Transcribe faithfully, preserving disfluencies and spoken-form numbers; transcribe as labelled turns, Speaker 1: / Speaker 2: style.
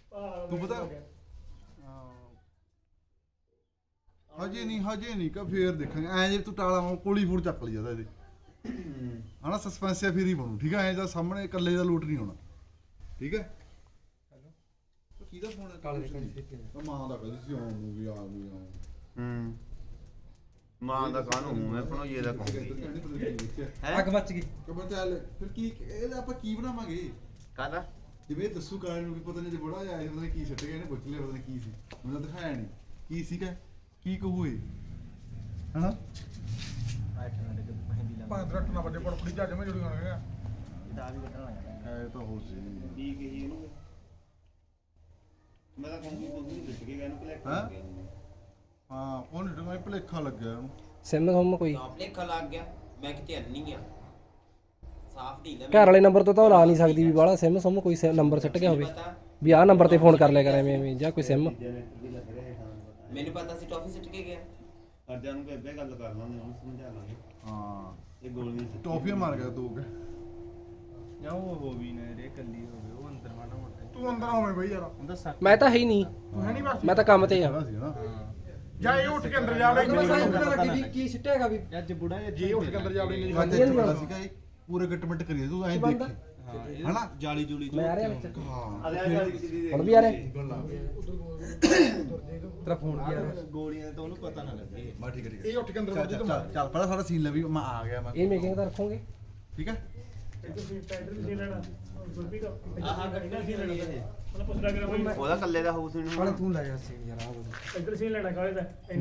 Speaker 1: ਤੂੰ ਪਤਾ ਹਜੇ ਨਹੀਂ ਹਜੇ ਨਹੀਂ ਕਾ ਫੇਰ ਦੇਖਾਂਗੇ ਐ ਜੇ ਤੂੰ ਟਾਲਾ ਕੋਲੀ ਫੂਡ ਚੱਕ ਲਈ ਜਾਂਦਾ ਇਹਦੇ ਹਨਾ ਸਸਪੈਂਸਿਆ ਫੇਰ ਹੀ ਬਣੂ ਠੀਕ ਹੈ ਐ ਜਾਂ ਸਾਹਮਣੇ ਇਕੱਲੇ ਦਾ ਲੂਟ ਨਹੀਂ ਹੋਣਾ ਠੀਕ ਹੈ ਹੈਲੋ ਕਿਹਦਾ ਫੋਨ ਹੈ ਕਾਲੇ ਦਾ ਮਾਂ ਦਾ ਕਹਿੰਦੀ ਸੀ ਆਉਣ ਨੂੰ ਵੀ ਆ ਵੀ ਆਉਂ
Speaker 2: ਹੂੰ ਮਾਂ ਦਾ ਕਾਹਨੂੰ ਹੂੰ ਮੈਂ ਭਣੋਈਏ ਦਾ ਕਹੂੰਗੀ
Speaker 3: ਅੱਗ ਮੱਚ ਗਈ
Speaker 1: ਕਬਰ ਚੱਲ ਫਿਰ ਕੀ ਇਹਦਾ ਆਪਾਂ ਕੀ ਬਣਾਵਾਂਗੇ
Speaker 2: ਕਾਹਦਾ
Speaker 1: ਜਿਵੇਂ ਦੱਸੂ ਕਾਲੇ ਨੂੰ ਵੀ ਪਤਾ ਨਹੀਂ ਜੇ ਬੜਾ ਆਇਆ ਪਤਾ ਨਹੀਂ ਕੀ ਛੱਡ ਗਿਆ ਇਹਨੇ ਪੁੱਛ ਲਿਆ ਪਤਾ ਨਹੀਂ ਕੀ ਸੀ ਮੈਨੂੰ ਤਾਂ ਦਿਖਾਇਆ ਨਹੀਂ ਕੀ ਸੀਗਾ ਕੀ ਕਹੂ ਇਹ ਹਨਾ
Speaker 4: ਪੰਜ ਰੱਖ ਨਾ ਵੱਡੇ ਪੜਪੜੀ ਜੱਜ ਮੈਂ ਜੁੜੀ ਹੋਣਗੇ
Speaker 2: ਇਹਦਾ ਵੀ ਕੱਢਣ ਲੱਗਾ
Speaker 1: ਐ ਤਾਂ ਹੋ ਸੀ
Speaker 2: ਕੀ ਕਹੀ ਇਹਨੂੰ ਮੈਂ ਤਾਂ ਕਹੂੰਗੀ ਤੂੰ ਵੀ ਲਿਖ ਕੇ ਗਿਆ ਇਹਨੂੰ ਕਲੈਕਟ
Speaker 1: ਹੈਂ?
Speaker 2: ਕਰ ਗਿਆ ਇਹਨੂੰ।
Speaker 1: ਹਾਂ ਉਹਨੇ ਤਾਂ ਮੈਂ ਭੁਲੇਖਾ ਲੱਗਿਆ ਉਹਨੂੰ
Speaker 3: ਸਿਮ ਹਮ ਕੋਈ
Speaker 5: ਨਾ ਭਲੇਖਾ ਲੱਗ ਗਿਆ ਮੈਂ ਕਿਤੇ ਅੰਨੀ ਆ ਸਾਫ ਢੀਲ ਆ
Speaker 3: ਘਰ ਵਾਲੇ ਨੰਬਰ ਤੋਂ ਤਾਂ ਉਹ ਲਾ ਨਹੀਂ ਸਕਦੀ ਵੀ ਬਾਹਲਾ ਸਿਮ ਸੁਮ ਕੋਈ ਨੰਬਰ ਸਿੱਟ ਗਿਆ ਹੋਵੇ ਵੀ ਆਹ ਨੰਬਰ ਤੇ ਫੋਨ ਕਰ ਲਿਆ ਕਰ ਐਵੇਂ ਐਵੇਂ ਜਾਂ ਕੋਈ ਸਿਮ
Speaker 5: ਮੈਨੂੰ ਪਤਾ ਸੀ ਟੌਫੀ ਸਿੱਟ ਕੇ ਗਿਆ
Speaker 2: ਅਰਜਾਂ ਨੂੰ ਬੇਬੇ ਗੱਲ ਕਰ ਲਾਂਗੇ ਉਹਨੂੰ ਸਮਝਾ ਲਾਂਗੇ
Speaker 1: ਹਾਂ
Speaker 2: ਇਹ ਗੋਲੀਆਂ ਸਿੱਟ
Speaker 1: ਟੌਫੀਆਂ ਮਾਰ ਗਿਆ ਦੋ ਕੇ
Speaker 2: ਜਾਂ ਉਹ ਹੋ ਵੀ ਨਾ ਰੇ ਕੱਲੀ ਹੋਵੇ ਉਹ ਅੰਦਰ ਮਾਣਾ ਮੋਟਾ
Speaker 4: ਤੂੰ ਅੰਦਰ ਹੋਵੇਂ ਬਈ ਯਾਰ
Speaker 2: ਹੁੰਦਾ ਸੱਟ
Speaker 3: ਮੈਂ ਤਾਂ ਹੈ ਹੀ ਨਹੀਂ
Speaker 4: ਤੂੰ ਹੈ ਨਹੀਂ ਬਸ
Speaker 3: ਮੈਂ ਤਾਂ ਕੰਮ ਤੇ ਆ
Speaker 1: ਖੜਾ ਸੀ ਨਾ
Speaker 4: ਜਾ ਇਹ ਉੱਠ ਕੇ ਅੰਦਰ ਜਾਵੇ
Speaker 3: ਵੀ ਕੀ ਸਿੱਟੇਗਾ ਵੀ
Speaker 2: ਅੱਜ ਬੁੜਾ
Speaker 4: ਜੇ ਉੱਠ ਕੇ ਅੰਦਰ ਜਾਵੇ ਨਹੀਂ
Speaker 1: ਅੱਜ ਇੱਥੇ ਖੜਾ ਸੀਗਾ ਇਹ ਪੂਰੇ ਗੱਟਮਟ ਕਰੀ ਤੂੰ ਐਂ ਦੇਖੀ ਹਨਾ
Speaker 2: ਜਾਲੀ ਜੂਲੀ
Speaker 3: ਮੈਂ ਆ ਰਿਹਾ ਵਿੱਚ
Speaker 1: ਹਾਂ
Speaker 2: ਅਰੇ ਆ ਜਾਲੀ
Speaker 3: ਹੁਣ ਵੀ ਆ ਰਿਹਾ ਤੇਰਾ ਫੋਨ ਵੀ ਆ ਰਿਹਾ
Speaker 2: ਗੋਲੀਆਂ ਤਾਂ ਉਹਨੂੰ ਪਤਾ ਨਾ ਲੱਗੇ
Speaker 1: ਬਾ ਠੀਕ ਹੈ ਠੀਕ ਹੈ
Speaker 4: ਇਹ ਉੱਠ ਕੇ ਅੰਦਰ
Speaker 1: ਚੱਲ
Speaker 4: ਵੱਜ
Speaker 1: ਚੱਲ
Speaker 4: ਤੂੰ
Speaker 1: ਚੱਲ ਚੱਲ ਪਹਿਲਾਂ ਸਾਡਾ ਸੀਨ ਲੈ ਵੀ ਮੈਂ ਆ ਗਿਆ ਮੈਂ
Speaker 3: ਇਹ ਮੇਕਿੰਗ ਤਾਂ ਰੱਖੋਗੇ
Speaker 1: ਠੀਕ ਹੈ
Speaker 2: ਉਹਦਾ ਕੱਲੇ ਦਾ ਹਾਊਸ
Speaker 3: ਤੂੰ ਲੈ ਜਾ ਸੀਨ ਯਾਰ ਆ
Speaker 6: ਇੱਧਰ ਸੀਨ ਲੈਣਾ ਕਾਲੇ ਦਾ